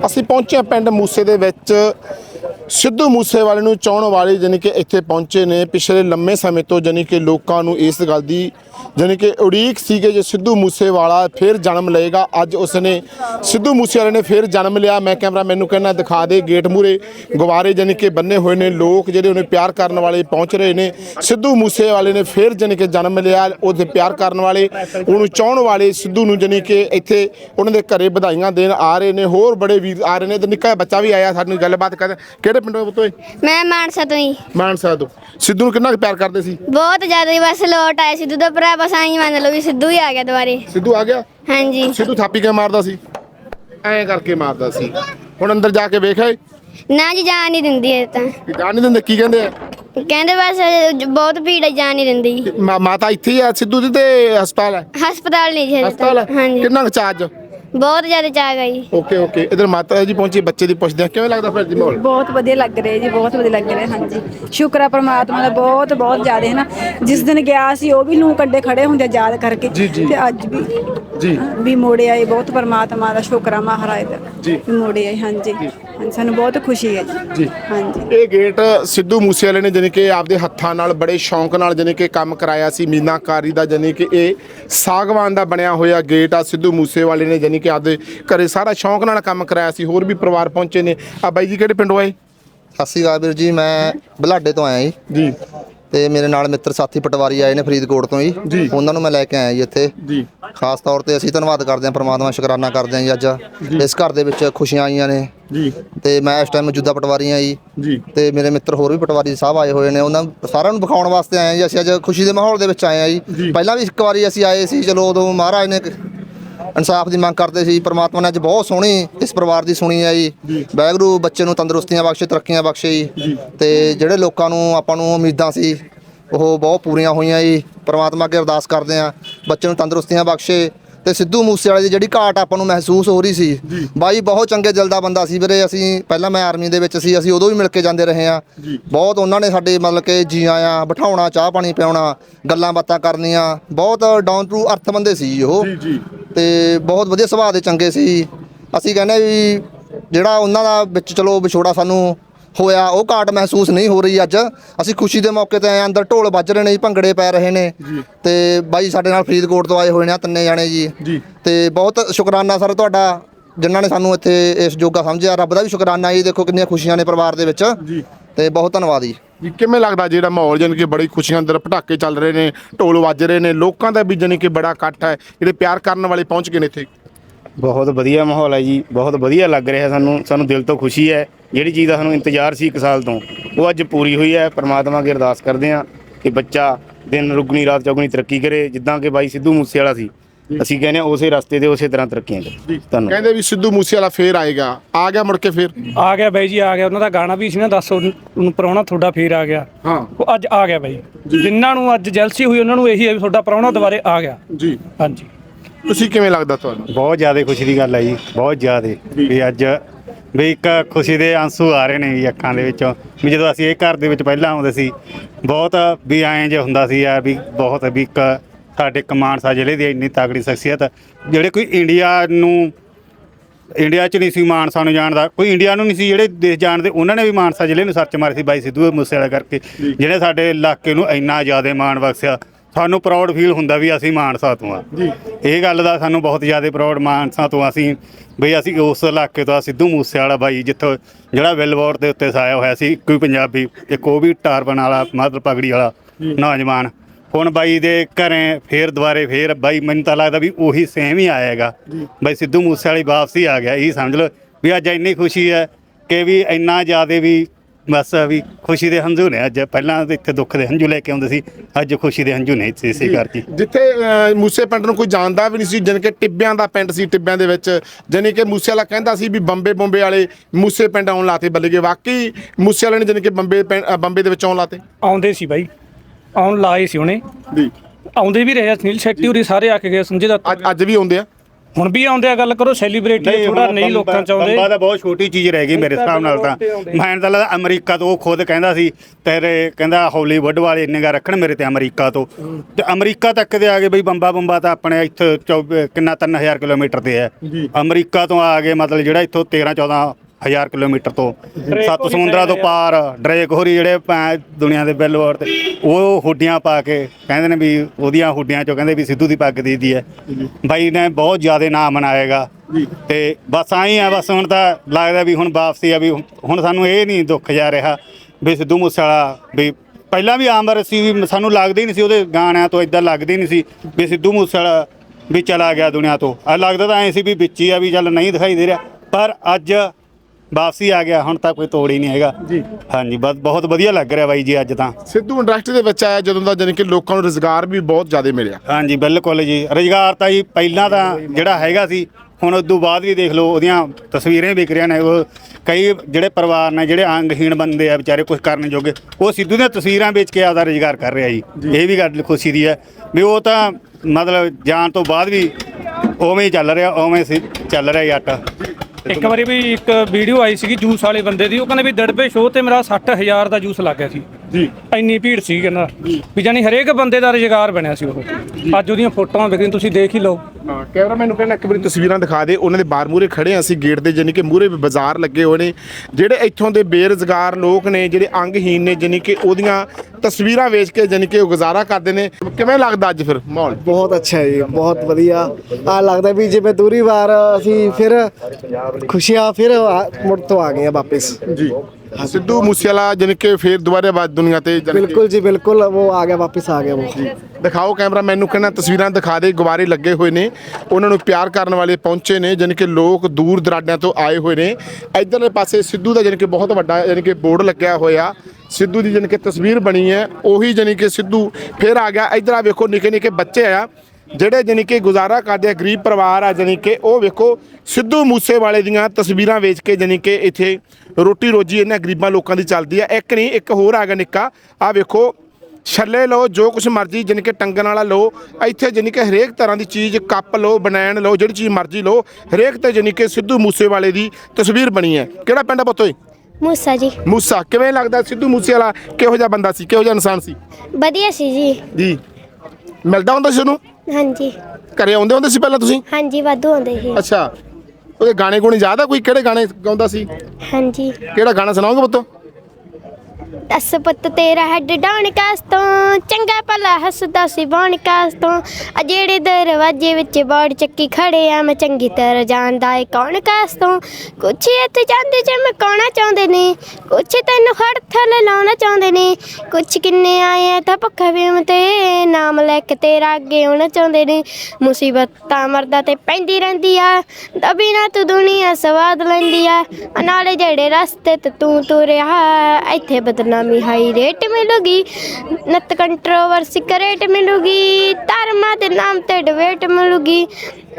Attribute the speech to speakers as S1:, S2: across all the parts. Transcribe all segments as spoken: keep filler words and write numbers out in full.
S1: ਅਸੀਂ ਪਹੁੰਚੇ ਪਿੰਡ ਮੂਸੇ ਦੇ ਵਿੱਚ ਸਿੱਧੂ ਮੂਸੇਵਾਲੇ ਨੂੰ ਚਾਹੁਣ ਵਾਲੇ ਜਾਨੀ ਕਿ ਇੱਥੇ ਪਹੁੰਚੇ ਨੇ। ਪਿਛਲੇ ਲੰਮੇ ਸਮੇਂ ਤੋਂ ਜਾਨੀ ਕਿ ਲੋਕਾਂ ਨੂੰ ਇਸ ਗੱਲ ਦੀ ਜਾਨੀ ਕਿ ਉਡੀਕ ਸੀ ਕਿ ਜੇ ਸਿੱਧੂ ਮੂਸੇਵਾਲਾ ਫਿਰ ਜਨਮ ਲਏਗਾ। ਅੱਜ ਉਸਨੇ ਸਿੱਧੂ ਮੂਸੇਵਾਲੇ ਨੇ ਫਿਰ ਜਨਮ ਲਿਆ। ਮੈਂ ਕੈਮਰਾ ਮੈਨੂੰ ਕਹਿੰਦਾ ਦਿਖਾ ਦੇ ਗੇਟ ਮੂਹਰੇ ਗੁਬਾਰੇ ਜਾਨੀ ਕਿ ਬੰਨੇ ਹੋਏ ਨੇ, ਲੋਕ ਜਿਹੜੇ ਉਹਨੇ ਪਿਆਰ ਕਰਨ ਵਾਲੇ ਪਹੁੰਚ ਰਹੇ ਨੇ। ਸਿੱਧੂ ਮੂਸੇਵਾਲੇ ਨੇ ਫਿਰ ਜਾਨੀ ਕਿ ਜਨਮ ਲਿਆ। ਉਹਦੇ ਪਿਆਰ ਕਰਨ ਵਾਲੇ, ਉਹਨੂੰ ਚਾਹੁਣ ਵਾਲੇ ਸਿੱਧੂ ਨੂੰ ਜਾਨੀ ਕਿ ਇੱਥੇ ਉਹਨਾਂ ਦੇ ਘਰੇ ਵਧਾਈਆਂ ਦੇਣ ਆ ਰਹੇ ਨੇ। ਹੋਰ ਬੜੇ ਵੀਰ ਆ ਰਹੇ ਨੇ ਤੇ ਨਿੱਕਾ ਬੱਚਾ ਵੀ ਆਇਆ ਸਾਨੂੰ ਗੱਲਬਾਤ ਕਰ। ਕਿਹੜੇ ਪਿੰਡੋਂ ਪੁੱਤੋ?
S2: ਮੈਂ ਮਾਨਸਾ ਤੋਂ ਹੀ।
S1: ਮਾਨਸਾ ਤੋਂ। ਸਿੱਧੂ ਨੂੰ ਕਿੰਨਾ ਕੁ ਪਿਆਰ ਕਰਦੇ ਸੀ?
S2: ਬਹੁਤ ਜ਼ਿਆਦਾ ਹੀ। ਬਸ ਲੋਟ ਆਏ ਸਿੱਧੂ ਦਾ ਭਰਾ, ਬਸ ਆਈ ਮੰਨ ਲਓ ਵੀ ਸਿੱਧੂ ਹੀ ਆ ਗਿਆ ਦੁਬਾਰੇ।
S1: ਸਿੱਧੂ ਆ ਗਿਆ?
S2: ਹਾਂਜੀ।
S1: ਸਿੱਧੂ ਥਾਪੀ ਕੇ ਮਾਰਦਾ ਸੀ, ਐਂ ਕਰਕੇ ਮਾਰਦਾ ਸੀ। ਹੁਣ ਅੰਦਰ ਜਾ ਕੇ ਵੇਖਿਆ
S2: ਨਾ ਜੀ, ਜਾਣ ਨਹੀਂ ਦਿੰਦੀ ਇਹ ਤਾਂ।
S1: ਜਾਣ ਨਹੀਂ ਦਿੰਦੇ? ਕੀ ਕਹਿੰਦੇ ਆ?
S2: ਕਹਿੰਦੇ ਬਸ ਬਹੁਤ ਭੀੜ ਹੈ, ਜਾਣ ਨਹੀਂ ਦਿੰਦੀ।
S1: ਮਾ- ਮਾਤਾ ਇੱਥੇ ਹੀ ਆ ਸਿੱਧੂ ਦੀ ਤੇ ਹਸਪਤਾਲ ਹੈ?
S2: ਹਸਪਤਾਲ ਨਹੀਂ ਜੀ ਹਜੇ
S1: ਹਸਪਤਾਲ
S2: ਤੱਕ।
S1: ਹੈ?
S2: ਹਾਂਜੀ,
S1: ਕਿੰਨਾ ਕੁ ਚਾਰਜ?
S2: ਬਹੁਤ ਜ਼ਿਆਦਾ ਚਾਹ ਗਈ।
S1: Okay okay. ਇਧਰ ਮਾਤਾ ਜੀ ਪਹੁੰਚੀ, ਬੱਚੇ ਦੀ ਪੁੱਛਦੇ ਆ ਕਿਵੇਂ ਲੱਗਦਾ ਫਿਰ ਜੀ ਮਾਹੌਲ?
S3: ਬਹੁਤ ਵਧੀਆ ਲੱਗ ਰਿਹਾ ਜੀ, ਬਹੁਤ ਵਧੀਆ ਲੱਗ ਰਿਹਾ। ਹਾਂਜੀ, ਸ਼ੁਕਰ ਹੈ ਪਰਮਾਤਮਾ ਦਾ, ਬਹੁਤ ਬਹੁਤ ਜ਼ਿਆਦਾ ਹੈ ਨਾ। ਜਿਸ ਦਿਨ ਗਿਆ ਸੀ ਉਹ ਵੀ ਲੂ ਕੰਡੇ ਖੜੇ ਹੁੰਦੇ ਯਾਦ ਕਰਕੇ,
S1: ਜੀ, ਜੀ।
S3: ਤੇ ਅੱਜ ਵੀ
S1: ਜੀ
S3: ਵੀ ਮੋੜੇ ਆਏ। ਬਹੁਤ ਪਰਮਾਤਮਾ ਦਾ ਸ਼ੁਕਰ ਹੈ, ਮਹਾਰਾਜ ਦਾ
S1: ਜੀ।
S3: ਵੀ ਮੋੜੇ ਆਏ। ਹਾਂਜੀ ਹਾਂਜੀ, ਸਾਨੂੰ ਬਹੁਤ ਖੁਸ਼ੀ ਹੈ ਜੀ।
S1: ਜੀ
S3: ਹਾਂਜੀ।
S1: ਇਹ ਗੇਟ ਸਿੱਧੂ ਮੂਸੇਵਾਲੇ ਨੇ ਜਾਨੀ ਕਿ ਆਪਦੇ ਹੱਥਾਂ ਨਾਲ ਬੜੇ ਸ਼ੌਂਕ ਨਾਲ ਜਾਨੀ ਕਿ ਕੰਮ ਕਰਾਇਆ ਸੀ। ਮੀਨਾਕਾਰੀ ਦਾ ਜਾਨੀ ਕਿ ਇਹ ਸਾਗਵਾਨ ਦਾ ਬਣਿਆ ਹੋਇਆ ਗੇਟ ਆ। ਸਿੱਧੂ ਮੂਸੇਵਾਲੇ ਨੇ ਜਾਨੀ ਕਿ ਆਪਦੇ ਘਰੇ ਸਾਰਾ ਸ਼ੌਂਕ ਨਾਲ ਕੰਮ ਕਰਾਇਆ ਸੀ। ਹੋਰ ਵੀ ਪਰਿਵਾਰ ਪਹੁੰਚੇ ਨੇ। ਆ ਬਾਈ ਜੀ ਕਿਹੜੇ ਪਿੰਡੋਂ ਆਏ?
S4: ਸਤਿ ਸ਼੍ਰੀ ਅਕਾਲ ਵੀਰ ਜੀ, ਮੈਂ ਬੁਲਾਡੇ ਤੋਂ ਆਇਆ ਜੀ
S1: ਜੀ।
S4: ਤੇ ਮੇਰੇ ਨਾਲ ਮਿੱਤਰ ਸਾਥੀ ਪਟਵਾਰੀ ਆਏ ਨੇ ਫਰੀਦਕੋਟ ਤੋਂ ਜੀ। ਉਹਨਾਂ ਨੂੰ ਮੈਂ ਲੈ ਕੇ ਆਇਆ ਜੀ ਇੱਥੇ
S1: ਜੀ।
S4: ਖਾਸ ਤੌਰ ਤੇ ਅਸੀਂ ਧੰਨਵਾਦ ਕਰਦੇ ਹਾਂ ਪਰਮਾਤਮਾ, ਸ਼ੁਕਰਾਨਾ ਕਰਦੇ ਹਾਂ ਜੀ। ਅੱਜ ਇਸ ਘਰ ਦੇ ਵਿੱਚ ਖੁਸ਼ੀਆਂ ਆਈਆਂ ਨੇ
S1: ਜੀ। ਤੇ
S4: ਮੈਂ ਇਸ ਟਾਈਮ ਮੌਜੂਦਾ ਪਟਵਾਰੀ ਹਾਂ ਜੀ।
S1: ਜੀ।
S4: ਤੇ ਮੇਰੇ ਮਿੱਤਰ ਹੋਰ ਵੀ ਪਟਵਾਰੀ ਸਾਹਿਬ ਆਏ ਹੋਏ ਨੇ। ਉਹਨਾਂ ਸਾਰਿਆਂ ਨੂੰ ਵਿਖਾਉਣ ਵਾਸਤੇ ਆਏ ਹਾਂ ਜੀ। ਅਸੀਂ ਅੱਜ ਖੁਸ਼ੀ ਦੇ ਮਾਹੌਲ ਦੇ ਵਿੱਚ ਆਏ ਹਾਂ ਜੀ। ਪਹਿਲਾਂ ਵੀ ਇੱਕ ਵਾਰੀ ਅਸੀਂ ਆਏ ਸੀ, ਚਲੋ ਉਦੋਂ ਮਹਾਰਾਜ ਨੇ ਇਨਸਾਫ ਦੀ ਮੰਗ ਕਰਦੇ ਸੀ। ਪਰਮਾਤਮਾ ਨੇ ਅੱਜ ਬਹੁਤ ਸੋਹਣੀ ਇਸ ਪਰਿਵਾਰ ਦੀ ਸੁਣੀ ਹੈ ਜੀ। ਵਾਹਿਗੁਰੂ ਬੱਚੇ ਨੂੰ ਤੰਦਰੁਸਤੀਆਂ ਬਖਸ਼ੇ, ਤਰੱਕੀਆਂ ਬਖਸ਼ੇ ਜੀ। ਤੇ ਜਿਹੜੇ ਲੋਕਾਂ ਨੂੰ ਆਪਾਂ ਨੂੰ ਉਮੀਦਾਂ ਸੀ ਉਹ ਬਹੁਤ ਪੂਰੀਆਂ ਹੋਈਆਂ ਜੀ। ਪਰਮਾਤਮਾ ਅੱਗੇ ਅਰਦਾਸ ਕਰਦੇ ਹਾਂ ਬੱਚੇ ਨੂੰ ਤੰਦਰੁਸਤੀਆਂ ਬਖਸ਼ੇ। ਤੇ ਸਿੱਧੂ ਮੂਸੇਵਾਲੇ ਦੀ ਜਿਹੜੀ ਘਾਟ ਆਪਾਂ ਨੂੰ ਮਹਿਸੂਸ ਹੋ ਰਹੀ ਸੀ, ਬਾਈ ਬਹੁਤ ਚੰਗੇ ਦਿਲ ਦਾ ਬੰਦਾ ਸੀ ਵੀਰੇ। ਅਸੀਂ ਪਹਿਲਾਂ ਮੈਂ ਆਰਮੀ ਦੇ ਵਿੱਚ ਸੀ, ਅਸੀਂ ਉਦੋਂ ਵੀ ਮਿਲ ਕੇ ਜਾਂਦੇ ਰਹੇ ਹਾਂ। ਬਹੁਤ ਉਹਨਾਂ ਨੇ ਸਾਡੇ ਮਤਲਬ ਕਿ ਜੀ ਆਇਆਂ ਬਿਠਾਉਣਾ, ਚਾਹ ਪਾਣੀ ਪਿਆਉਣਾ, ਗੱਲਾਂ ਬਾਤਾਂ ਕਰਨੀਆਂ। ਬਹੁਤ ਡਾਊਨ ਟੂ ਅਰਥ ਬੰਦੇ ਸੀ ਉਹ। ਤੇ ਬਹੁਤ ਵਧੀਆ ਸੁਭਾਅ ਦੇ, ਚੰਗੇ ਸੀ। ਅਸੀਂ ਕਹਿੰਦੇ ਵੀ ਜਿਹੜਾ ਉਹਨਾਂ ਦਾ ਵਿੱਚ ਚਲੋ ਵਿਛੋੜਾ ਸਾਨੂੰ ਹੋਇਆ, ਉਹ ਘਾਟ ਮਹਿਸੂਸ ਨਹੀਂ ਹੋ ਰਹੀ ਅੱਜ। ਅਸੀਂ ਖੁਸ਼ੀ ਦੇ ਮੌਕੇ ਤੇ ਆਏ, ਅੰਦਰ ਢੋਲ ਵੱਜ ਰਹੇ ਨੇ ਜੀ, ਭੰਗੜੇ ਪੈ ਰਹੇ ਨੇ। ਤੇ ਬਾਈ ਸਾਡੇ ਨਾਲ ਫਰੀਦਕੋਟ ਤੋਂ ਆਏ ਹੋਏ ਨੇ ਆ ਤਿੰਨੇ ਜਾਣੇ ਜੀ। ਤੇ ਬਹੁਤ ਸ਼ੁਕਰਾਨਾ ਸਰ ਤੁਹਾਡਾ, ਜਿਨ੍ਹਾਂ ਨੇ ਸਾਨੂੰ ਇੱਥੇ ਇਸ ਜੋਗਾ ਸਮਝਿਆ। ਰੱਬ ਦਾ ਵੀ ਸ਼ੁਕਰਾਨਾ ਜੀ। ਦੇਖੋ ਕਿੰਨੀਆਂ ਖੁਸ਼ੀਆਂ ਨੇ ਪਰਿਵਾਰ ਦੇ ਵਿੱਚ। ਤੇ ਬਹੁਤ ਧੰਨਵਾਦ ਜੀ।
S1: ਜੀ ਕਿਵੇਂ ਲੱਗਦਾ ਜਿਹੜਾ ਮਾਹੌਲ ਜਾਨੀ ਕਿ ਬੜੀ ਖੁਸ਼ੀਆਂ ਅੰਦਰ, ਪਟਾਕੇ ਚੱਲ ਰਹੇ ਨੇ, ਢੋਲ ਵੱਜ ਰਹੇ ਨੇ, ਲੋਕਾਂ ਦਾ ਵੀ ਜਾਨੀ ਕਿ ਬੜਾ ਇਕੱਠ ਹੈ, ਜਿਹੜੇ ਪਿਆਰ ਕਰਨ ਵਾਲੇ ਪਹੁੰਚ ਗਏ ਨੇ ਇੱਥੇ?
S5: ਬਹੁਤ ਵਧੀਆ ਮਾਹੌਲ ਹੈ ਜੀ, ਬਹੁਤ ਵਧੀਆ ਲੱਗ ਰਿਹਾ ਸਾਨੂੰ। ਸਾਨੂੰ ਦਿਲ ਤੋਂ ਖੁਸ਼ੀ ਹੈ। ਜਿਹੜੀ ਚੀਜ਼ ਦਾ ਸਾਨੂੰ ਇੰਤਜ਼ਾਰ ਸੀ ਇੱਕ ਸਾਲ ਤੋਂ, ਉਹ ਅੱਜ ਪੂਰੀ ਹੋਈ ਹੈ। ਪਰਮਾਤਮਾ ਅੱਗੇ ਅਰਦਾਸ ਕਰਦੇ ਹਾਂ ਕਿ ਬੱਚਾ ਦਿਨ ਦੁੱਗਣੀ ਰਾਤ ਚੌਗਣੀ ਤਰੱਕੀ ਕਰੇ। ਜਿੱਦਾਂ ਕਿ ਬਾਈ ਸਿੱਧੂ ਮੂਸੇਵਾਲਾ ਸੀ, ਅਸੀਂ ਕਹਿੰਦੇ ਹਾਂ ਉਸੇ ਰਸਤੇ ਤੇ ਉਸੇ ਤਰ੍ਹਾਂ ਤਰੱਕੀਆਂ ਕਰੇ। ਧੰਨਵਾਦ।
S1: ਕਹਿੰਦੇ ਵੀ ਸਿੱਧੂ ਮੂਸੇਵਾਲਾ ਫੇਰ ਆਏਗਾ, ਆ ਗਿਆ ਮੁੜ ਕੇ ਫੇਰ
S6: ਆ ਗਿਆ ਬਾਈ ਜੀ, ਆ ਗਿਆ। ਉਹਨਾਂ ਦਾ ਗਾਣਾ ਵੀ ਸੀ ਨਾ, ਦੱਸ ਉਹਨੂੰ ਪ੍ਰਾਹੁਣਾ ਤੁਹਾਡਾ ਫੇਰ ਆ ਗਿਆ।
S1: ਹਾਂ,
S6: ਉਹ ਅੱਜ ਆ ਗਿਆ ਬਾਈ। ਜਿਨ੍ਹਾਂ ਨੂੰ ਅੱਜ ਜੈਲਸੀ ਹੋਈ ਉਹਨਾਂ ਨੂੰ ਇਹੀ ਹੈ ਵੀ ਤੁਹਾਡਾ ਪ੍ਰਾਹੁਣਾ ਦੁਬਾਰੇ ਆ ਗਿਆ
S1: ਜੀ।
S6: ਹਾਂਜੀ।
S1: ਤੁਸੀਂ ਕਿਵੇਂ ਲੱਗਦਾ ਤੁਹਾਨੂੰ?
S5: ਬਹੁਤ ਜ਼ਿਆਦਾ ਖੁਸ਼ੀ ਦੀ ਗੱਲ ਹੈ ਜੀ, ਬਹੁਤ ਜ਼ਿਆਦਾ ਵੀ ਅੱਜ ਵੀ ਇੱਕ ਖੁਸ਼ੀ ਦੇ ਆਂਸੂ ਆ ਰਹੇ ਨੇ ਜੀ ਅੱਖਾਂ ਦੇ ਵਿੱਚੋਂ। ਵੀ ਜਦੋਂ ਅਸੀਂ ਇਹ ਘਰ ਦੇ ਵਿੱਚ ਪਹਿਲਾਂ ਆਉਂਦੇ ਸੀ, ਬਹੁਤ ਵੀ ਐਂ ਜੇ ਹੁੰਦਾ ਸੀ ਯਾਰ ਵੀ ਬਹੁਤ ਵੀ ਇੱਕ ਸਾਡੇ ਮਾਨਸਾ ਜ਼ਿਲ੍ਹੇ ਦੀ ਇੰਨੀ ਤਕੜੀ ਸ਼ਖਸੀਅਤ, ਜਿਹੜੇ ਕੋਈ ਇੰਡੀਆ ਨੂੰ ਇੰਡੀਆ 'ਚ ਨਹੀਂ ਸੀ ਮਾਨਸਾ ਨੂੰ ਜਾਣਦਾ, ਕੋਈ ਇੰਡੀਆ ਨੂੰ ਨਹੀਂ ਸੀ ਜਿਹੜੇ ਦੇਸ਼ ਜਾਣਦੇ, ਉਹਨਾਂ ਨੇ ਵੀ ਮਾਨਸਾ ਜ਼ਿਲ੍ਹੇ ਨੂੰ ਸਰਚ ਮਾਰੀ ਸੀ ਬਾਈ ਸਿੱਧੂ ਮੂਸੇਵਾਲਾ ਕਰਕੇ, ਜਿਹੜੇ ਸਾਡੇ ਇਲਾਕੇ ਨੂੰ ਇੰਨਾ ਜ਼ਿਆਦਾ ਮਾਣ ਬਖਸ਼ਿਆ। ਸਾਨੂੰ ਪ੍ਰਾਊਡ ਫੀਲ ਹੁੰਦਾ ਵੀ ਅਸੀਂ ਮਾਨਸਾ ਤੋਂ ਆ। ਇਹ ਗੱਲ ਦਾ ਸਾਨੂੰ ਬਹੁਤ ਜ਼ਿਆਦਾ ਪ੍ਰਾਊਡ, ਮਾਨਸਾ ਤੋਂ ਅਸੀਂ ਬਈ ਅਸੀਂ ਉਸ ਇਲਾਕੇ ਤੋਂ ਆ। ਸਿੱਧੂ ਮੂਸੇਵਾਲਾ ਬਾਈ ਜਿੱਥੋਂ ਜਿਹੜਾ ਬਿਲਬੋਰਡ ਦੇ ਉੱਤੇ ਛਾਇਆ ਹੋਇਆ ਸੀ, ਕੋਈ ਪੰਜਾਬੀ, ਇੱਕ ਉਹ ਵੀ ਟਾਰਬਨ ਵਾਲਾ ਮਾਦਰ ਪਗੜੀ ਵਾਲਾ ਨੌਜਵਾਨ। ਹੁਣ ਬਾਈ ਦੇ ਘਰੇ ਫੇਰ ਦੁਬਾਰੇ ਫੇਰ ਬਾਈ, ਮੈਨੂੰ ਤਾਂ ਲੱਗਦਾ ਵੀ ਉਹੀ ਸੇਮ ਹੀ ਆਏਗਾ। ਬਾਈ ਸਿੱਧੂ ਮੂਸੇਵਾਲੀ ਵਾਪਸੀ ਆ ਗਿਆ, ਇਹ ਸਮਝ ਲਓ ਵੀ ਅੱਜ ਇੰਨੀ ਖੁਸ਼ੀ ਹੈ ਕਿ ਵੀ ਇੰਨਾ ਜ਼ਿਆਦਾ ਵੀ ਬਸ ਵੀ ਖੁਸ਼ੀ ਦੇ ਹੰਝੂ ਨੇ ਅੱਜ। ਪਹਿਲਾਂ ਇੱਥੇ ਦੁੱਖ ਦੇ ਹੰਝੂ ਲੈ ਕੇ ਆਉਂਦੇ ਸੀ, ਅੱਜ ਖੁਸ਼ੀ ਦੇ ਹੰਝੂ ਨੇ ਇੱਥੇ ਇਸੇ ਕਰਕੇ।
S1: ਜਿੱਥੇ ਮੂਸੇ ਪਿੰਡ ਨੂੰ ਕੋਈ ਜਾਣਦਾ ਵੀ ਨਹੀਂ ਸੀ, ਜਾਣੀ ਕਿ ਟਿੱਬਿਆਂ ਦਾ ਪਿੰਡ ਸੀ, ਟਿੱਬਿਆਂ ਦੇ ਵਿੱਚ ਜਾਣੀ ਕਿ ਮੂਸੇਵਾਲਾ ਕਹਿੰਦਾ ਸੀ ਵੀ ਬੰਬੇ ਬੰਬੇ ਵਾਲੇ ਮੂਸੇ ਪਿੰਡ ਆਉਣ ਲਾਤੇ ਬੱਲੇਗੇ। ਵਾਕਈ ਮੂਸੇਵਾਲੇ ਨੇ ਜਾਣੀ ਕਿ ਬੰਬੇ ਬੰਬੇ ਦੇ ਵਿੱਚ ਆਉਣ ਲਾਤੇ?
S6: ਆਉਂਦੇ ਸੀ ਬਾਈ, ਆਉਣ ਲਾਏ ਸੀ ਉਹਨੇ ਜੀ। ਆਉਂਦੇ ਵੀ ਰਹੇ ਸੁਨੀਲ ਸ਼ੈਟੀ ਹੋਰੀ ਸਾਰੇ ਆ ਕੇ ਗਏ ਸੰਜੇ ਦਾ।
S1: ਅੱਜ ਅੱਜ ਵੀ ਆਉਂਦੇ ਆ?
S6: ਹੁਣ ਵੀ ਆਉਂਦੇ ਆ, ਗੱਲ ਕਰੋ ਸੈਲੀਬ੍ਰਿਟੀ ਥੋੜਾ ਨਹੀਂ ਲੋਕਾਂ ਚ ਆਉਂਦੇ।
S5: ਬੰਬਾ ਤਾਂ ਬਹੁਤ ਛੋਟੀ ਚੀਜ਼ ਰਹਿ ਗਈ ਮੇਰੇ ਹਿਸਾਬ ਨਾਲ ਤਾਂ। ਮੈਂ ਤਾਂ ਲੱਗਦਾ ਅਮਰੀਕਾ ਤੋਂ ਉਹ ਖੁਦ ਕਹਿੰਦਾ ਸੀ ਤੇਰੇ ਕਹਿੰਦਾ ਹਾਲੀਵੁੱਡ ਵਾਲੇ ਨਿਗਾਹ ਰੱਖਣ ਮੇਰੇ ਤੇ ਅਮਰੀਕਾ ਤੋਂ, ਤੇ ਅਮਰੀਕਾ ਤੱਕ ਦੇ ਆ ਗਏ ਬਈ। ਬੰਬਾ ਬੰਬਾ ਤਾਂ ਆਪਣੇ ਇੱਥੇ ਚੌ- ਕਿੰਨਾ ਤਿੰਨ ਹਜ਼ਾਰ ਕਿਲੋਮੀਟਰ ਤੇ ਹੈ, ਅਮਰੀਕਾ ਤੋਂ ਆ ਗਏ ਮਤਲਬ ਜਿਹੜਾ ਇੱਥੋਂ ਤੇਰਾਂ ਚੌਦਾਂ ਹਜ਼ਾਰ ਕਿਲੋਮੀਟਰ ਤੋਂ ਸੱਤ ਸਮੁੰਦਰਾਂ ਤੋਂ ਪਾਰ ਡਰੇਕ ਹੋਰੀ ਜਿਹੜੇ ਭੈਂ ਦੁਨੀਆ ਦੇ ਬਿਲਬੋਰਡ ਤੇ ਉਹ ਹੁੱਡੀਆਂ ਪਾ ਕੇ ਕਹਿੰਦੇ ਨੇ ਵੀ ਉਹਦੀਆਂ ਹੁੱਡੀਆਂ ਚੋਂ ਕਹਿੰਦੇ ਵੀ ਸਿੱਧੂ ਦੀ ਪੱਗ ਦੀ ਦੀ ਹੈ। ਬਾਈ ਨੇ ਬਹੁਤ ਜ਼ਿਆਦਾ ਨਾਮ ਮਨਾਏਗਾ ਤੇ ਬਸ ਆਈ ਆ। ਬਸ ਹੁਣ ਤਾਂ ਲੱਗਦਾ ਵੀ ਹੁਣ ਵਾਪਸੀ ਆ ਵੀ ਹੁਣ ਸਾਨੂੰ ਇਹ ਨਹੀਂ ਦੁੱਖ ਜਾ ਰਿਹਾ ਵੀ ਸਿੱਧੂ ਮੂਸੇਵਾਲਾ ਵੀ ਪਹਿਲਾਂ ਵੀ ਆਮ ਸੀ ਵੀ ਸਾਨੂੰ ਲੱਗਦਾ ਹੀ ਨਹੀਂ ਸੀ ਉਹਦੇ ਗਾਣਿਆਂ ਤੋਂ, ਇਦਾਂ ਲੱਗਦਾ ਹੀ ਨਹੀਂ ਸੀ ਵੀ ਸਿੱਧੂ ਮੂਸੇਵਾਲਾ ਵੀ ਚਲਾ ਗਿਆ ਦੁਨੀਆ ਤੋਂ। ਆ ਲੱਗਦਾ ਤਾਂ ਐਂ ਸੀ ਵੀ ਵਿੱਚ ਹੀ ਆ ਵੀ ਚੱਲ ਨਹੀਂ ਦਿਖਾਈ ਦੇ ਰਿਹਾ, ਪਰ ਅੱਜ ਵਾਪਸੀ ਆ ਗਿਆ। ਹੁਣ ਤਾਂ ਕੋਈ ਤੋੜ ਹੀ ਨਹੀਂ ਹੈਗਾ ਜੀ। ਹਾਂਜੀ ਬਸ ਬਹੁਤ ਵਧੀਆ ਲੱਗ ਰਿਹਾ ਬਾਈ ਜੀ ਅੱਜ ਤਾਂ।
S1: ਸਿੱਧੂ ਇੰਡਸਟਰੀ ਦੇ ਵਿੱਚ ਆਇਆ ਜਦੋਂ ਦਾ, ਜਾਣੀ ਕਿ ਲੋਕਾਂ ਨੂੰ ਰੁਜ਼ਗਾਰ ਵੀ ਬਹੁਤ ਜ਼ਿਆਦਾ ਮਿਲਿਆ।
S5: ਹਾਂਜੀ ਬਿਲਕੁਲ ਜੀ, ਰੁਜ਼ਗਾਰ ਤਾਂ ਜੀ ਪਹਿਲਾਂ ਤਾਂ ਜਿਹੜਾ ਹੈਗਾ ਸੀ, ਹੁਣ ਉਸ ਤੋਂ ਬਾਅਦ ਵੀ ਦੇਖ ਲਓ ਉਹਦੀਆਂ ਤਸਵੀਰਾਂ ਵਿਕ ਰਹੀਆਂ ਨੇ। ਉਹ ਕਈ ਜਿਹੜੇ ਪਰਿਵਾਰ ਨੇ ਜਿਹੜੇ ਅੰਗਹੀਣ ਬੰਦੇ ਆ ਵਿਚਾਰੇ ਕੁਝ ਕਰਨ ਜੋਗੇ, ਉਹ ਸਿੱਧੂ ਦੀਆਂ ਤਸਵੀਰਾਂ ਵੇਚ ਕੇ ਆਪਦਾ ਰੁਜ਼ਗਾਰ ਕਰ ਰਿਹਾ ਜੀ। ਇਹ ਵੀ ਗੱਲ ਖੁਸ਼ੀ ਦੀ ਹੈ ਵੀ ਉਹ ਤਾਂ ਮਤਲਬ ਜਾਣ ਤੋਂ ਬਾਅਦ ਵੀ ਉਵੇਂ ਹੀ ਚੱਲ ਰਿਹਾ, ਉਵੇਂ ਸੀ ਚੱਲ ਰਿਹਾ ਜੱਟ।
S6: ਇੱਕ ਵਾਰੀ ਵੀ ਇੱਕ ਵੀਡੀਓ ਆਈ ਸੀਗੀ ਜੂਸ ਵਾਲੇ ਬੰਦੇ ਦੀ, ਉਹ ਕਹਿੰਦੇ ਵੀ ਦੜਬੇ ਸ਼ੋਅ ਤੇ ਮੇਰਾ ਸੱਠ ਹਜ਼ਾਰ ਦਾ ਜੂਸ ਲੱਗ ਗਿਆ ਸੀ ਜੀ। ਇੰਨੀ ਭੀੜ ਸੀ ਕਹਿੰਦਾ ਵੀ, ਜਾਨੀ ਹਰੇਕ ਬੰਦੇ ਦਾ ਰੁਜ਼ਗਾਰ ਬਣਿਆ ਸੀ ਉਹ। ਅੱਜ ਉਹਦੀਆਂ ਫੋਟੋਆਂ ਵਿਖਦੀਆਂ, ਤੁਸੀਂ ਦੇਖ ਹੀ ਲਓ।
S1: ਹਾਂ, ਕੈਮਰਾ ਮੈਨੂੰ ਕਹਿੰਦਾ ਇੱਕ ਵਾਰੀ ਤਸਵੀਰਾਂ ਦਿਖਾ ਦੇ। ਉਹਨਾਂ ਦੇ ਬਾਹਰ ਮੂਹਰੇ ਖੜੇ ਹਾਂ ਅਸੀਂ ਗੇਟ ਦੇ, ਜਾਣੀ ਕਿ ਮੂਹਰੇ ਬਾਜ਼ਾਰ ਲੱਗੇ ਹੋਏ ਨੇ। ਜਿਹੜੇ ਇੱਥੋਂ ਦੇ ਬੇਰੁਜ਼ਗਾਰ ਲੋਕ ਨੇ, ਜਿਹੜੇ ਅੰਗਹੀਨ ਨੇ, ਜਾਣੀ ਕਿ ਉਹਦੀਆਂ ਤਸਵੀਰਾਂ ਵੇਚ ਕੇ ਜਾਣੀ ਕਿ ਉਹ ਗੁਜ਼ਾਰਾ ਕਰਦੇ ਨੇ। ਕਿਵੇਂ ਲੱਗਦਾ ਅੱਜ ਫਿਰ ਮਾਹੌਲ?
S7: ਬਹੁਤ ਅੱਛਾ ਹੈ ਜੀ, ਬਹੁਤ ਵਧੀਆ। ਆ ਲੱਗਦਾ ਵੀ ਜਿਵੇਂ ਦੂਰੀ ਵਾਰ ਅਸੀਂ ਫਿਰ ਖੁਸ਼ੀਆਂ ਫਿਰ ਆ- ਮੁੜ ਤੋਂ ਆ ਗਈਆਂ ਵਾਪਸ
S1: ਜੀ। ਸਿੱਧੂ ਮੂਸੇਵਾਲਾ ਜਾਣੀ ਕਿ ਫਿਰ ਦੁਬਾਰਾ ਬਾਅਦ ਦੁਨੀਆ ਤੇ ਜਾਣੀ ਕਿ-
S7: ਬਿਲकुल जी बिल्कुल वो आ गया वापस आ गया वो।
S1: ਦਿਖਾਓ ਕੈਮਰਾ ਮੈਨੂੰ ਕਹਿੰਦਾ ਤਸਵੀਰਾਂ ਦਿਖਾ ਦੇ। ਗੁਬਾਰੇ ਲੱਗੇ ਹੋਏ ਨੇ, ਉਹਨਾਂ ਨੂੰ ਪਿਆਰ ਕਰਨ ਵਾਲੇ ਪਹੁੰਚੇ ਨੇ, ਜਾਣੀ ਕਿ ਲੋਕ ਦੂਰ ਦਰਾਡਿਆਂ ਤੋਂ ਆਏ ਹੋਏ ਨੇ। ਇੱਧਰਲੇ ਪਾਸੇ ਸਿੱਧੂ ਦਾ ਜਾਣੀ ਕਿ ਬਹੁਤ ਵੱਡਾ ਜਾਣੀ ਕਿ ਬੋਰਡ ਲੱਗਿਆ ਹੋਇਆ, ਸਿੱਧੂ ਦੀ ਜਾਣੀ ਕਿ ਤਸਵੀਰ ਬਣੀ ਹੈ। ਉਹੀ ਜਾਣੀ ਕਿ ਸਿੱਧੂ ਫਿਰ ਆ ਗਿਆ। ਇੱਧਰ ਆ ਵੇਖੋ ਨਿੱਕੇ ਨਿੱਕੇ ਬੱਚੇ ਆ ਜਿਹੜੇ ਜਾਣੀ ਕਿ ਗੁਜ਼ਾਰਾ ਕਰਦੇ ਆ, ਗਰੀਬ ਪਰਿਵਾਰ ਆ, ਜਾਣੀ ਕਿ ਉਹ ਵੇਖੋ ਸਿੱਧੂ ਮੂਸੇਵਾਲੇ ਦੀਆਂ ਤਸਵੀਰਾਂ ਵੇਚ ਕੇ ਜਾਣੀ ਕਿ ਇੱਥੇ ਰੋਟੀ ਰੋਜੀ ਇਹਨਾਂ ਗਰੀਬਾਂ ਲੋਕਾਂ ਦੀ ਚੱਲਦੀ ਆ। ਇੱਕ ਨਹੀਂ ਇੱਕ ਹੋਰ ਆ ਗਿਆ ਨਿੱਕਾ, ਆ ਵੇਖੋ ਛੱਲੇ ਲਓ, ਜੋ ਕੁਛ ਮਰਜ਼ੀ ਜਾਣੀ ਕਿ ਟੰਗਣ ਵਾਲਾ ਲਓ। ਇੱਥੇ ਜਾਣੀ ਕਿ ਹਰੇਕ ਤਰ੍ਹਾਂ ਦੀ ਚੀਜ਼, ਕੱਪ ਲਓ, ਬਨੈਣ ਲਓ, ਜਿਹੜੀ ਚੀਜ਼ ਮਰਜ਼ੀ ਲਓ, ਹਰੇਕ ਤੇ ਜਾਣੀ ਕਿ ਸਿੱਧੂ ਮੂਸੇਵਾਲੇ ਦੀ ਤਸਵੀਰ ਬਣੀ ਹੈ। ਕਿਹੜਾ ਪਿੰਡ ਆ ਪੁੱਤ ਓਏ?
S2: ਮੂਸਾ ਜੀ।
S1: ਮੂਸਾ। ਕਿਵੇਂ ਲੱਗਦਾ ਸਿੱਧੂ ਮੂਸੇਵਾਲਾ ਕਿਹੋ ਜਿਹਾ ਬੰਦਾ ਸੀ, ਕਿਹੋ ਜਿਹਾ ਇਨਸਾਨ ਸੀ
S2: ਵਧੀਆ ਸੀ ਜੀ।
S1: ਜੀ? ਮਿਲਦਾ ਹੁੰਦਾ ਸੀ ਉਹਨੂੰ?
S2: ਹਾਂਜੀ
S1: ਘਰੇ ਆਉਂਦੇ ਹੁੰਦੇ ਸੀ ਪਹਿਲਾਂ ਤੁਸੀਂ?
S2: ਹਾਂਜੀ ਵਾਧੂ ਆਉਂਦੇ ਸੀ।
S1: ਅੱਛਾ, ਉਹਦੇ ਗਾਣੇ ਗੁਣੇ ਯਾਦ ਆ ਕੋਈ? ਕਿਹੜੇ ਗਾਣੇ ਗਾਉਂਦਾ ਸੀ?
S2: ਹਾਂਜੀ।
S1: ਕਿਹੜਾ ਗਾਣਾ ਸੁਣਾਓਗੇ ਪੁੱਤ?
S2: ਦਸ ਪੁੱਤ ਤੇਰਾ ਹੈਡ ਡਾਉਣ ਕਾਸ ਤੋਂ, ਚੰਗਾ ਭਲਾ ਹੱਸਦਾ ਸੀ ਬਣ ਕਾਸ ਤੋਂ। ਆ ਜਿਹੜੇ ਦਰਵਾਜ਼ੇ ਵਿੱਚ ਬਾੜ ਚੱਕੀ ਖੜੇ ਆ, ਮੈਂ ਚੰਗੀ ਤਰ੍ਹਾਂ ਜਾਣਦਾ ਏ ਕੌਣ ਕਾਸ ਤੋਂ। ਕੁਛ ਇੱਥੇ ਜਾਂਦੇ ਜੇ ਮੈਂ ਕਾਉਣਾ ਚਾਹੁੰਦੇ ਨੇ, ਕੁਛ ਤੈਨੂੰ ਹੜ ਥੱਲੇ ਲਾਉਣਾ ਚਾਹੁੰਦੇ ਨੇ। ਕੁਛ ਕਿੰਨੇ ਆਏ ਆ ਤਾਂ ਭੁੱਖਾ ਵੀਮ ਤੇ ਨਾਮ ਲੈ ਕੇ ਤੇਰਾ ਅੱਗੇ ਆਉਣਾ ਚਾਹੁੰਦੇ ਨੇ। ਮੁਸੀਬਤਾਂ ਮਰਦਾ ਤੇ ਪੈਂਦੀ ਰਹਿੰਦੀ ਆ, ਦਬੀ ਨਾ ਤੂੰ ਦੁਨੀਆ ਸਵਾਦ ਲੈਂਦੀ ਆ। ਨਾਲੇ ਜਿਹੜੇ ਰਸਤੇ ਤੇ ਤੂੰ ਤੁਰਿਆ, ਇੱਥੇ ਬਦਨਾਮੀ ਹਾਈ ਰੇਟ ਮਿਲੂਗੀ, ਨਤ ਕੰਟਰੋਵਰਸੀ ਕਰੇਟ ਮਿਲੂਗੀ, ਧਰਮਾਂ ਦੇ ਨਾਮ ਤੇ ਡਿਬੇਟ ਮਿਲੂਗੀ।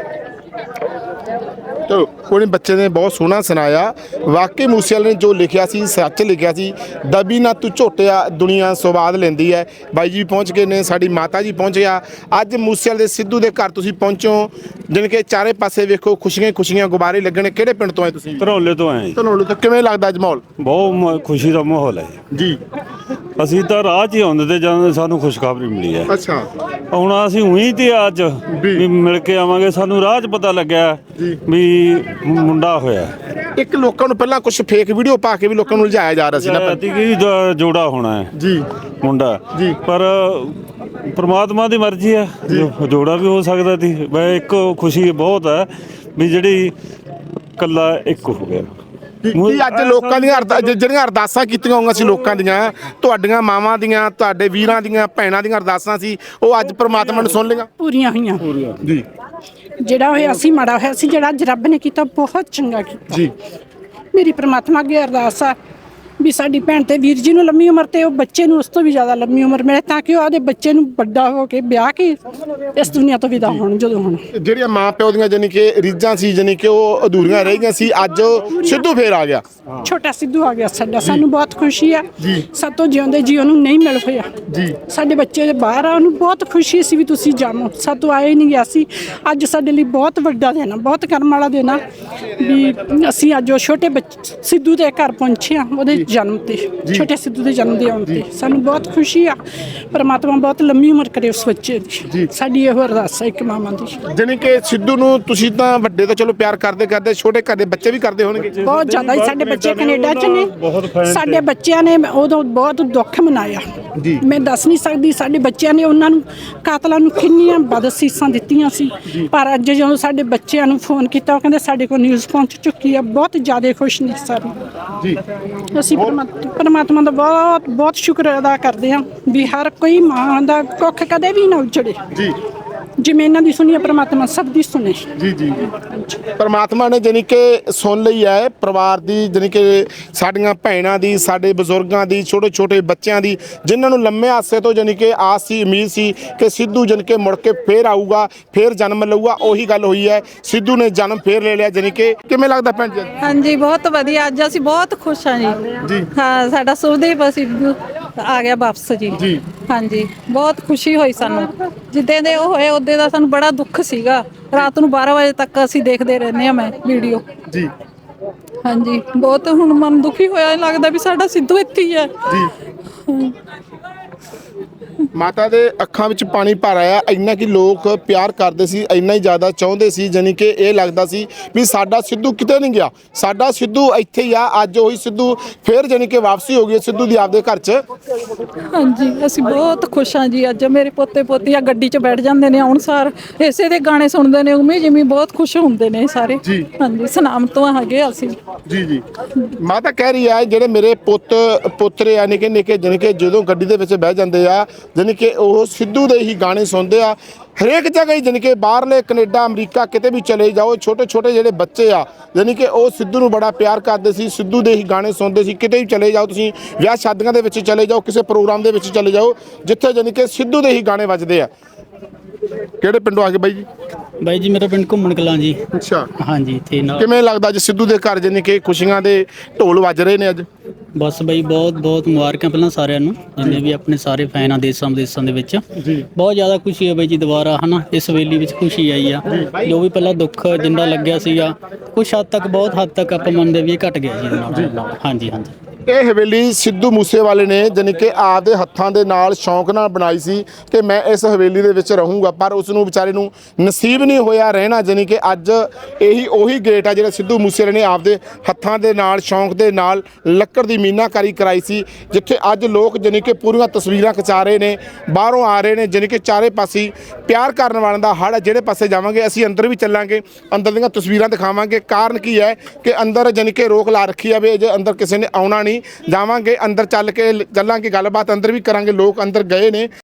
S1: ਚਲੋ ਕੋਈ ਨਹੀਂ, ਬੱਚੇ ਨੇ ਬਹੁਤ ਸੋਹਣਾ ਸੁਣਾਇਆ। ਵਾਕਈ ਮੂਸੇਵਾਲੇ ਨੇ ਜੋ ਲਿਖਿਆ ਸੀ ਸੱਚ ਲਿਖਿਆ ਸੀ। ਦਬੀ ਨਾ ਤੂੰ ਝੋਟਿਆ ਦੁਨੀਆ ਸਵਾਦ ਲੈਂਦੀ ਹੈ। ਬਾਈ ਜੀ ਪਹੁੰਚ ਗਏ ਨੇ, ਸਾਡੀ ਮਾਤਾ ਜੀ ਪਹੁੰਚ ਗਿਆ। ਅੱਜ ਮੂਸੇਵਾਲੇ ਦੇ ਸਿੱਧੂ ਦੇ ਘਰ ਤੁਸੀਂ ਪਹੁੰਚੋ, ਜਾਣੀ ਕਿ ਚਾਰੇ ਪਾਸੇ ਵੇਖੋ ਖੁਸ਼ੀਆਂ ਖੁਸ਼ੀਆਂ ਗੁਬਾਰੇ ਲੱਗਣੇ। ਕਿਹੜੇ ਪਿੰਡ ਤੋਂ ਆਏ ਤੁਸੀਂ?
S8: ਧਰੌਲੇ ਤੋਂ ਆਏ ਜੀ।
S1: ਧਨੌਲੇ ਤੋਂ। ਕਿਵੇਂ ਲੱਗਦਾ ਅੱਜ ਮਾਹੌਲ?
S8: ਬਹੁਤ ਮ- ਖੁਸ਼ੀ ਦਾ ਮਾਹੌਲ ਹੈ
S1: ਜੀ।
S8: ਅਸੀਂ ਤਾਂ ਰਾਹ 'ਚ ਹੀ ਆਉਂਦੇ ਤੇ ਜਾਂਦੇ ਸਾਨੂੰ ਖੁਸ਼ਖਬਰੀ ਮਿਲੀ ਹੈ।
S1: ਅੱਛਾ
S8: ਹੁਣ ਅਸੀਂ ਉਹੀ ਤੇ ਅੱਜ ਵੀ ਮਿਲ ਕੇ ਆਵਾਂਗੇ। ਸਾਨੂੰ ਰਾਹ 'ਚ ਪਤਾ ਲੱਗਿਆ ਵੀ ਮੁੰਡਾ ਹੋਇਆ।
S1: ਇੱਕ ਲੋਕਾਂ ਨੂੰ ਪਹਿਲਾਂ ਕੁਝ ਫੇਕ ਵੀਡੀਓ ਪਾ ਕੇ ਵੀ ਲੋਕਾਂ ਨੂੰ ਲਜਾਇਆ ਜਾ ਰਿਹਾ ਸੀ ਨਾ।
S8: ਐਤੀ ਕੀ ਜ- ਜੋੜਾ ਹੋਣਾ ਹੈ
S1: ਜੀ
S8: ਮੁੰਡਾ
S1: ਜੀ।
S8: ਪਰ ਪ੍ਰਮਾਤਮਾ ਦੀ ਮਰਜ਼ੀ ਹੈ, ਜੋ- ਜੋੜਾ ਵੀ ਹੋ ਸਕਦਾ ਸੀ। ਵੈ ਇੱਕ ਖੁਸ਼ੀ ਬਹੁਤ ਹੈ ਵੀ ਜਿਹੜੀ ਕੱਲਾ ਇੱਕ ਹੋ ਗਿਆ।
S1: ਕੀ ਕੀ ਅੱਜ ਲੋਕਾਂ ਦੀਆਂ ਅਰਦਾ- ਜ- ਜਿਹੜੀਆਂ ਅਰਦਾਸਾਂ ਕੀਤੀਆਂ ਹੋਈਆਂ ਸੀ ਲੋਕਾਂ ਦੀਆਂ, ਤੁਹਾਡੀਆਂ ਮਾਵਾਂ ਦੀਆਂ, ਤੁਹਾਡੇ ਵੀਰਾਂ ਦੀਆਂ, ਭੈਣਾਂ ਦੀਆਂ ਅਰਦਾਸਾਂ ਸੀ, ਉਹ ਅੱਜ ਪ੍ਰਮਾਤਮਾ ਨੇ ਸੁਣ ਲਈਆਂ?
S9: ਪੂਰੀਆਂ ਹੋਈਆਂ।
S1: ਜੀ।
S9: ਜਿਹੜਾ ਹੋਇਆ ਸੀ ਮਾੜਾ ਹੋਇਆ ਸੀ, ਜਿਹੜਾ ਅੱਜ ਰੱਬ ਨੇ ਕੀਤਾ ਬਹੁਤ ਚੰਗਾ ਕੀਤਾ
S1: ਜੀ।
S9: ਮੇਰੀ ਪ੍ਰਮਾਤਮਾ ਅੱਗੇ ਅਰਦਾਸ ਆ ਵੀ ਸਾਡੀ ਭੈਣ ਤੇ ਵੀਰ ਜੀ ਨੂੰ ਲੰਮੀ ਉਮਰ ਤੇ ਉਹ ਬੱਚੇ ਨੂੰ ਉਸ ਤੋਂ ਵੀ ਜ਼ਿਆਦਾ ਲੰਮੀ ਉਮਰ ਮਿਲੇ ਤਾਂ ਕਿ ਉਹ ਆਪਦੇ ਬੱਚੇ ਨੂੰ ਵੱਡਾ ਹੋ ਕੇ ਵਿਆਹ ਕੇ ਇਸ ਦੁਨੀਆ ਤੋਂ ਵਿਦਾ ਹੋਣ ਜਦੋਂ ਹੁਣ
S1: ਜਿਹੜੀਆਂ ਮਾਂ ਪਿਓ ਦੀਆਂ ਜਾਨੀ ਕਿ ਰੀਝਾਂ ਸੀ ਜਾਨੀ ਕਿ ਉਹ ਅਧੂਰੀਆਂ ਰਹਿ ਗਈਆਂ ਸੀ, ਅੱਜ ਸਿੱਧੂ ਫੇਰ ਆ ਗਿਆ।
S9: ਛੋਟਾ ਸਿੱਧੂ ਆ ਗਿਆ ਸਾਡਾ, ਸਾਨੂੰ ਬਹੁਤ ਖੁਸ਼ੀ ਆ। ਸਾਤੋਂ ਜਿਉਂਦੇ ਜੀ ਉਹਨੂੰ ਨਹੀਂ ਮਿਲ ਹੋਇਆ ਜੀ। ਸਾਡੇ ਬੱਚੇ ਦੇ ਬਾਹਰ ਆ, ਉਹਨੂੰ ਬਹੁਤ ਖੁਸ਼ੀ ਸੀ ਵੀ ਤੁਸੀਂ ਜਾਣੋ, ਸਾਤੋਂ ਆਏ ਨਹੀਂ ਗਿਆ ਸੀ। ਅੱਜ ਸਾਡੇ ਲਈ ਬਹੁਤ ਵੱਡਾ ਦਿਨ ਆ, ਬਹੁਤ ਕਰਮ ਵਾਲਾ ਦਿਨ ਆ ਵੀ ਅਸੀਂ ਅੱਜ ਉਹ ਛੋਟੇ ਬੱਚੇ ਸਿੱਧੂ ਦੇ ਘਰ ਪਹੁੰਚੇ ਆ, ਉਹਦੇ ਜਨਮ ਤੇ, ਛੋਟੇ ਸਿੱਧੂ ਦੇ ਜਨਮ ਦੇ ਆਉਣ ਤੇ ਸਾਨੂੰ ਬਹੁਤ ਖੁਸ਼ੀ ਆ। ਪਰਮਾਤਮਾ ਬਹੁਤ ਲੰਮੀ ਉਮਰ ਕਰੇ ਉਸ ਬੱਚੇ ਦੀ, ਸਾਡੀ ਇਹੋ ਅਰਦਾਸ ਹੈ ਇੱਕ ਮਾਵਾਂ ਦੀ।
S1: ਜਾਨੀ ਕਿ ਸਿੱਧੂ ਨੂੰ ਤੁਸੀਂ ਤਾਂ ਵੱਡੇ ਤਾਂ ਚਲੋ ਪਿਆਰ ਕਰਦੇ ਕਰਦੇ, ਛੋਟੇ ਘਰ ਦੇ ਬੱਚੇ ਵੀ ਕਰਦੇ ਹੋਣਗੇ।
S9: ਬਹੁਤ ਜ਼ਿਆਦਾ ਹੀ ਸਾਡੇ ਬੱਚੇ ਕੈਨੇਡਾ 'ਚ ਨੇ, ਸਾਡੇ ਬੱਚਿਆਂ ਨੇ ਉਦੋਂ ਬਹੁਤ ਦੁੱਖ ਮਨਾਇਆ, ਮੈਂ ਦੱਸ ਨਹੀਂ ਸਕਦੀ। ਸਾਡੇ ਬੱਚਿਆਂ ਨੇ ਉਹਨਾਂ ਨੂੰ ਕਾਤਲਾਂ ਨੂੰ ਕਿੰਨੀਆਂ ਬਦਅਸੀਸਾਂ ਦਿੱਤੀਆਂ ਸੀ, ਪਰ ਅੱਜ ਜਦੋਂ ਸਾਡੇ ਬੱਚਿਆਂ ਨੂੰ ਫੋਨ ਕੀਤਾ ਉਹ ਕਹਿੰਦੇ ਸਾਡੇ ਕੋਲ ਨਿਊਜ਼ ਪਹੁੰਚ ਚੁੱਕੀ ਆ, ਬਹੁਤ ਜ਼ਿਆਦਾ ਖੁਸ਼ ਨੇ ਸਾਰੇ ਜੀ। ਅਸੀਂ ਪਰਮਾਤਮਾ ਪਰਮਾਤਮਾ ਦਾ ਬਹੁਤ ਬਹੁਤ ਸ਼ੁਕਰ ਅਦਾ ਕਰਦੇ ਹਾਂ ਵੀ ਹਰ ਕੋਈ ਮਾਂ ਦਾ ਕੁੱਖ ਕਦੇ ਵੀ ਨਾ ਉਜੜੇ ਜੀ। ਜਿਵੇਂ ਇਹਨਾਂ ਦੀ ਸੁਣੀ ਪਰਮਾਤਮਾ ਸਭ ਦੀ ਸੁਣੇ
S1: ਜੀ ਜੀ। ਪਰਮਾਤਮਾ ਨੇ ਜਾਨੀ ਕਿ ਸੁਣ ਲਈ ਹੈ ਪਰਿਵਾਰ ਦੀ, ਜਾਨੀ ਕਿ ਸਾਡੀਆਂ ਭੈਣਾਂ ਦੀ, ਸਾਡੇ ਬਜ਼ੁਰਗਾਂ ਦੀ, ਛੋਟੇ ਛੋਟੇ ਬੱਚਿਆਂ ਦੀ, ਜਿਨ੍ਹਾਂ ਨੂੰ ਲੰਮੇ ਆਸੇ ਤੋਂ ਜਾਨੀ ਕਿ ਆਸ ਸੀ, ਉਮੀਦ ਸੀ ਕਿ ਸਿੱਧੂ ਜਾਨੀ ਕਿ ਮੁੜ ਕੇ ਫੇਰ ਆਊਗਾ, ਫੇਰ ਜਨਮ ਲਊਗਾ। ਉਹੀ ਗੱਲ ਹੋਈ ਹੈ, ਸਿੱਧੂ ਨੇ ਜਨਮ ਫੇਰ ਲੈ ਲਿਆ। ਜਾਨੀ ਕਿ ਕਿਵੇਂ ਲੱਗਦਾ ਭੈਣ ਜੀ?
S10: ਹਾਂਜੀ ਬਹੁਤ ਵਧੀਆ, ਅੱਜ ਅਸੀਂ ਬਹੁਤ ਖੁਸ਼ ਹਾਂ ਜੀ। ਹਾਂ ਸਾਡਾ ਸੁਖਦੇਵ ਸਿੱਧੂ ਆ ਗਿਆ ਵਾਪਸ ਜੀ। ਜੀ ਹਾਂਜੀ ਬਹੁਤ ਖੁਸ਼ੀ ਹੋਈ ਸਾਨੂੰ, ਜਿੱਦਾਂ ਦੇ ਉਹ ਹੋਏ ਉਦੋਂ ਦਾ ਸਾਨੂੰ ਬੜਾ ਦੁੱਖ ਸੀਗਾ। ਰਾਤ ਨੂੰ ਬਾਰਾਂ ਵਜੇ ਤੱਕ ਅਸੀਂ ਦੇਖਦੇ ਰਹਿੰਦੇ ਹਾਂ ਮੈਂ ਵੀਡੀਓ ਜੀ। ਹਾਂਜੀ ਬਹੁਤ ਹੁਣ ਮਨ ਦੁਖੀ ਹੋਇਆ, ਲੱਗਦਾ ਵੀ ਸਾਡਾ ਸਿੱਧੂ ਇੱਥੇ ਹੀ ਹੈ ਜੀ।
S1: ਮਾਤਾ ਦੇ ਅੱਖਾਂ ਵਿੱਚ ਪਾਣੀ ਭਰ ਆਇਆ, ਇੰਨਾ ਕਿ ਲੋਕ ਪਿਆਰ ਕਰਦੇ ਸੀ, ਇੰਨਾ ਹੀ ਜ਼ਿਆਦਾ ਚਾਹੁੰਦੇ ਸੀ, ਜਾਨੀ ਕਿ ਇਹ ਲੱਗਦਾ ਸੀ ਵੀ ਸਾਡਾ ਸਿੱਧੂ ਕਿਤੇ ਨਹੀਂ ਗਿਆ, ਸਾਡਾ ਸਿੱਧੂ ਇੱਥੇ ਹੀ ਆ। ਅੱਜ ਉਹੀ ਸਿੱਧੂ ਫੇਰ ਜਾਨੀ ਕਿ ਵਾਪਸੀ ਹੋ ਗਈ ਸਿੱਧੂ ਦੀ ਆਪਦੇ ਘਰ 'ਚ।
S10: ਹਾਂਜੀ ਅਸੀਂ ਬਹੁਤ ਖੁਸ਼ ਹਾਂ ਜੀ। ਅੱਜ ਮੇਰੇ ਪੋਤੇ ਪੋਤੀਆਂ ਗੱਡੀ 'ਚ ਬੈਠ ਜਾਂਦੇ ਨੇ, ਆਉਣ ਸਾਰ ਇਸੇ ਦੇ ਗਾਣੇ ਸੁਣਦੇ ਨੇ, ਉਵੇਂ ਜਿਵੇਂ ਬਹੁਤ ਖੁਸ਼ ਹੁੰਦੇ ਨੇ ਸਾਰੇ। ਹਾਂਜੀ ਸਨਾਮ ਤੋਂ ਹੈਗੇ ਅਸੀਂ
S1: ਜੀ ਜੀ। ਮਾਤਾ ਕਹਿ ਰਹੀ ਹੈ ਜਿਹੜੇ ਮੇਰੇ ਪੁੱਤ ਪੁੱਤਰੇ ਆ ਨਿੱਕੇ ਨਿੱਕੇ, ਜਾਨੀ ਕਿ ਜਦੋਂ ਗੱਡੀ ਦੇ ਵਿੱਚ ਬਹਿ ਜਾਂਦੇ ਆ ਜਾਨੀ ਕਿ ਉਹ ਸਿੱਧੂ ਦੇ ਹੀ ਗਾਣੇ ਸੁਣਦੇ ਆ। ਹਰੇਕ ਜਗ੍ਹਾ ਹੀ ਜਾਨੀ ਕਿ ਬਾਹਰਲੇ ਕੈਨੇਡਾ ਅਮਰੀਕਾ ਕਿਤੇ ਵੀ ਚਲੇ ਜਾਓ, ਛੋਟੇ ਛੋਟੇ ਜਿਹੜੇ ਬੱਚੇ ਆ ਜਾਨੀ ਕਿ ਉਹ ਸਿੱਧੂ ਨੂੰ ਬੜਾ ਪਿਆਰ ਕਰਦੇ ਸੀ, ਸਿੱਧੂ ਦੇ ਹੀ ਗਾਣੇ ਸੁਣਦੇ ਸੀ। ਕਿਤੇ ਵੀ ਚਲੇ ਜਾਓ ਤੁਸੀਂ, ਵਿਆਹ ਸ਼ਾਦੀਆਂ ਦੇ ਵਿੱਚ ਚਲੇ ਜਾਓ, ਕਿਸੇ ਪ੍ਰੋਗਰਾਮ ਦੇ ਵਿੱਚ ਚਲੇ ਜਾਓ, ਜਿੱਥੇ ਜਾਨੀ ਕਿ ਸਿੱਧੂ ਦੇ ਹੀ ਗਾਣੇ ਵੱਜਦੇ ਆ। ਕਿਹੜੇ ਪਿੰਡੋਂ ਆ ਗਏ ਬਾਈ ਜੀ?
S11: ਬਾਈ ਜੀ ਮੇਰਾ ਪਿੰਡ ਘੁੰਮਣ ਕਲਾਂ ਜੀ।
S1: ਅੱਛਾ
S11: ਹਾਂਜੀ ਤੇ ਨਾਲ
S1: ਕਿਵੇਂ ਲੱਗਦਾ ਅੱਜ ਸਿੱਧੂ ਦੇ ਘਰ ਜਾਨੀ ਕਿ ਖੁਸ਼ੀਆਂ ਦੇ ਢੋਲ ਵੱਜ ਰਹੇ ਨੇ ਅੱਜ?
S11: ਬਸ ਬਾਈ ਬਹੁਤ ਬਹੁਤ ਮੁਬਾਰਕਾਂ ਪਹਿਲਾਂ ਸਾਰਿਆਂ ਨੂੰ, ਜਿੰਨੇ ਵੀ ਆਪਣੇ ਸਾਰੇ ਫੈਨ ਆ ਦੇਸ਼ਾਂ ਵਿਦੇਸ਼ਾਂ ਦੇ ਵਿੱਚ। ਬਹੁਤ ਜ਼ਿਆਦਾ ਖੁਸ਼ੀ ਹੈ ਬਾਈ ਜੀ, ਦੁਬਾਰਾ ਹਨਾ ਇਸ ਹਵੇਲੀ ਵਿੱਚ ਖੁਸ਼ੀ ਆਈ ਆ। ਜੋ ਵੀ ਪਹਿਲਾਂ ਦੁੱਖ ਜਿੰਦਾ ਲੱਗਿਆ ਸੀਗਾ, ਕੁਛ ਹੱਦ ਤੱਕ ਬਹੁਤ ਹੱਦ ਤੱਕ ਆਪਾਂ ਮੰਨਦੇ ਵੀ ਇਹ ਘਟ ਗਿਆ ਜੀ ਇਹਦੇ ਨਾਲ। ਹਾਂਜੀ ਹਾਂਜੀ।
S1: ਇਹ ਹਵੇਲੀ ਸਿੱਧੂ ਮੂਸੇਵਾਲੇ ਨੇ ਜਾਨੀ ਕਿ ਆਪਦੇ ਹੱਥਾਂ ਦੇ ਨਾਲ ਸ਼ੌਂਕ ਨਾਲ ਬਣਾਈ ਸੀ ਕਿ ਮੈਂ ਇਸ ਹਵੇਲੀ ਦੇ ਵਿੱਚ ਰਹੂੰਗਾ, ਪਰ ਉਸ ਨੂੰ ਵਿਚਾਰੇ ਨੂੰ ਨਸੀਬ ਨਹੀਂ ਹੋਇਆ ਰਹਿਣਾ। ਜਾਨੀ ਕਿ ਅੱਜ ਇਹੀ ਉਹੀ ਗੇਟ ਆ ਜਿਹੜਾ ਸਿੱਧੂ ਮੂਸੇਵਾਲੇ ਨੇ ਆਪਦੇ ਹੱਥਾਂ ਦੇ ਨਾਲ ਸ਼ੌਂਕ ਦੇ ਨਾਲ ਲੱਕੜ ਦੀ ਮੀਨਾਕਾਰੀ ਕਰਾਈ ਸੀ, ਜਿੱਥੇ ਅੱਜ ਲੋਕ ਜਾਨੀ ਕਿ ਪੂਰੀਆਂ ਤਸਵੀਰਾਂ ਖਿਚਾ ਰਹੇ ਨੇ, ਬਾਹਰੋਂ ਆ ਰਹੇ ਨੇ। ਜਾਨੀ ਕਿ ਚਾਰੇ ਪਾਸੇ ਪਿਆਰ ਕਰਨ ਵਾਲਿਆਂ ਦਾ ਹੜ। ਜਿਹੜੇ ਪਾਸੇ ਜਾਵਾਂਗੇ ਅਸੀਂ ਅੰਦਰ ਵੀ ਚੱਲਾਂਗੇ, ਅੰਦਰ ਦੀਆਂ ਤਸਵੀਰਾਂ ਦਿਖਾਵਾਂਗੇ। ਕਾਰਨ ਕੀ ਹੈ ਕਿ ਅੰਦਰ ਜਾਨੀ ਕਿ ਰੋਕ ਲਾ ਰੱਖੀ ਆ ਵੀ ਜੇ ਅੰਦਰ ਕਿਸੇ ਨੇ ਆਉਣਾ ਨਹੀਂ। ਜਾਵਾਂਗੇ ਅੰਦਰ, ਚੱਲ ਕੇ ਚੱਲਾਂਗੇ, ਗੱਲਬਾਤ ਅੰਦਰ ਵੀ ਕਰਾਂਗੇ। ਲੋਕ ਅੰਦਰ ਗਏ ਨੇ।